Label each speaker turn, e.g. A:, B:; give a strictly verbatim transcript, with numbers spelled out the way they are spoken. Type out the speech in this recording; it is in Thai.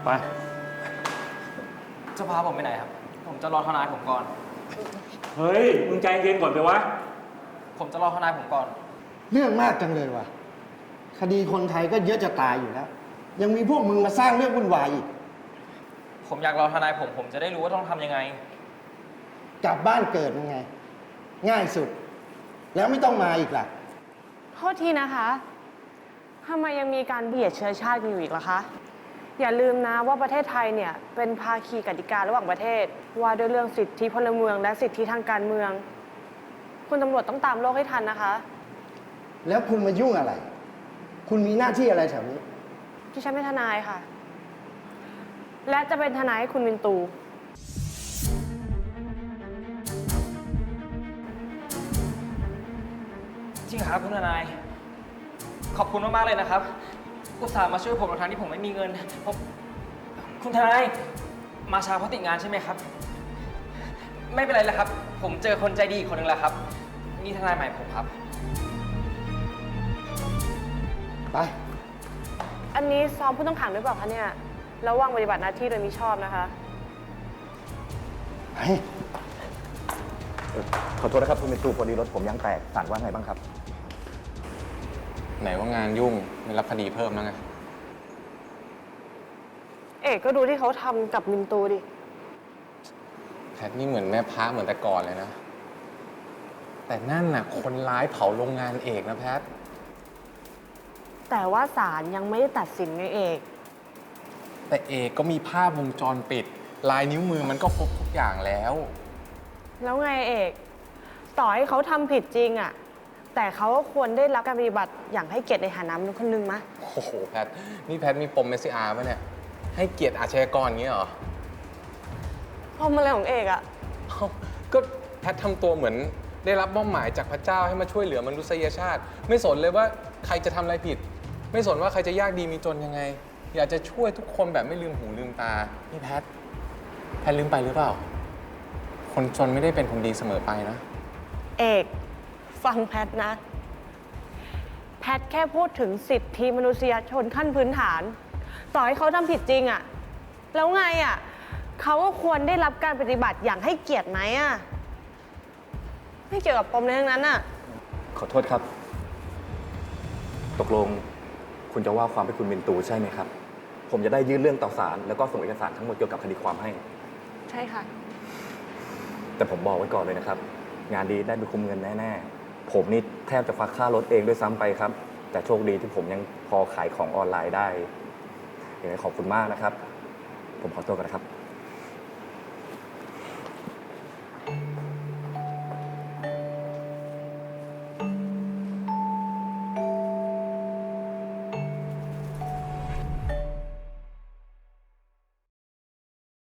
A: ไป
B: จะพาผมไปไหนครับผมจะรอทนายผมก่อน
A: เฮ้ยมึงใจเย็นก่อนไปวะ
B: ผมจะรอทนายผมก่อน
C: เรื่องมากจังเลยว่ะคดีคนไทยก็เยอะจะตายอยู่แล้วยังมีพวกมึงมาสร้างเรื่องวุ่นวายอีก
B: ผมอยากรอทนายผมผมจะได้รู้ว่าต้องทำยังไง
C: กลับบ้านเกิดยังไงง่ายสุดแล้วไม่ต้องมาอีกล่ะ
D: โทษทีนะคะทำไมยังมีการเบียดเชื้อชาติกันอยู่อีกล่ะคะอย่าลืมนะว่าประเทศไทยเนี่ยเป็นภาคีกติการะหว่างประเทศว่าด้วยเรื่องสิทธิพลเมืองและสิทธิทางการเมืองคุณตำรวจต้องตามโลกให้ทันนะคะ
C: แล้วคุณมายุ่งอะไรคุณมีหน้าที่อะไรแถวนี้
D: ที่ฉันเป็นทนายค่ะและจะเป็นทนายให้คุณวินตู
B: จริงครับคุณทนายขอบคุณมากๆเลยนะครับอุตส่าห์มาช่วยผมในทางที่ผมไม่มีเงินผมคุณทนายมาช้าเพราะติดงานใช่ไหมครับไม่เป็นไรแล้วครับผมเจอคนใจดีอีกคนหนึ่งแล้วครับนี่ทนายใหม่ผมครับ
C: ไป
D: อันนี้ซ้อมผู้ต้องขังหรือเปล่าคะเนี่ยระวังปฏิบัติหน้าที่โดยมิชอบนะคะ
C: ไป
E: ขอโทษนะครับคุณเป็นตูพอดีรถผมยางแตกศาลว่าไงบ้างครับ
F: ไหนว่างานยุ่งไม่รับคดีเพิ่มแล้วไง
D: เอกก็ดูที่เขาทำกับมินตูดิ
F: แพทนี่เหมือนแม่พระเหมือนแต่ก่อนเลยนะแต่นั่นน่ะคนร้ายเผาโรงงานเอกนะแพท
D: แต่ว่าศาลยังไม่ได้ตัดสินไงเอก
F: แต่เอกก็มีภาพวงจรปิดลายนิ้วมือมันก็ครบทุกอย่างแล้ว
D: แล้วไงเอกต่อให้เขาทำผิดจริงอะแต่เขาก็ควรได้รับการปฏิบัติอย่างให้เกียรติในฐานะมนุษย์คนหนึ่งมะ
F: โอ้โหแพทนี่แพทมีปมเมสซิอาร์ป่ะเนี่ยให้เกียรติอาชญากรอย่างนี้เหรอ
D: ปมอะไรของเอกอะ
F: ก็แพททำตัวเหมือนได้รับมอบหมายจากพระเจ้าให้มาช่วยเหลือมนุษยชาติไม่สนเลยว่าใครจะทำอะไรผิดไม่สนว่าใครจะยากดีมีจนยังไงอยากจะช่วยทุกคนแบบไม่ลืมหูลืมตานี่แพทแพทลืมไปหรือเปล่าคนจนไม่ได้เป็นคนดีเสมอไปนะ
D: เอกฟังแพทนะแพทแค่พูดถึงสิทธิมนุษยชนขั้นพื้นฐานต่อให้เขาทำผิดจริงอะแล้วไงอะเขาก็ควรได้รับการปฏิบัติอย่างให้เกียรติไหมอะไม่เกี่ยวกับปมในเรื่องนั้นอะ
E: ขอโทษครับตกลงคุณจะว่าความให้คุณเป็นตูใช่ไหมครับผมจะได้ยื่นเรื่องต่อศาลแล้วก็ส่งเอกสารทั้งหมดเกี่ยวกับคดีความให้
D: ใช่ค่ะ
E: แต่ผมบอกไว้ก่อนเลยนะครับงานดีได้ไปคุมเงินแน่ๆผมนี่แทบจะฟักค่ารถเองด้วยซ้ำไปครับแต่โชคดีที่ผมยังพอขายของออนไลน์ได้ยังไงขอบคุณมากนะครับผมขอตัวก่อนนะครับ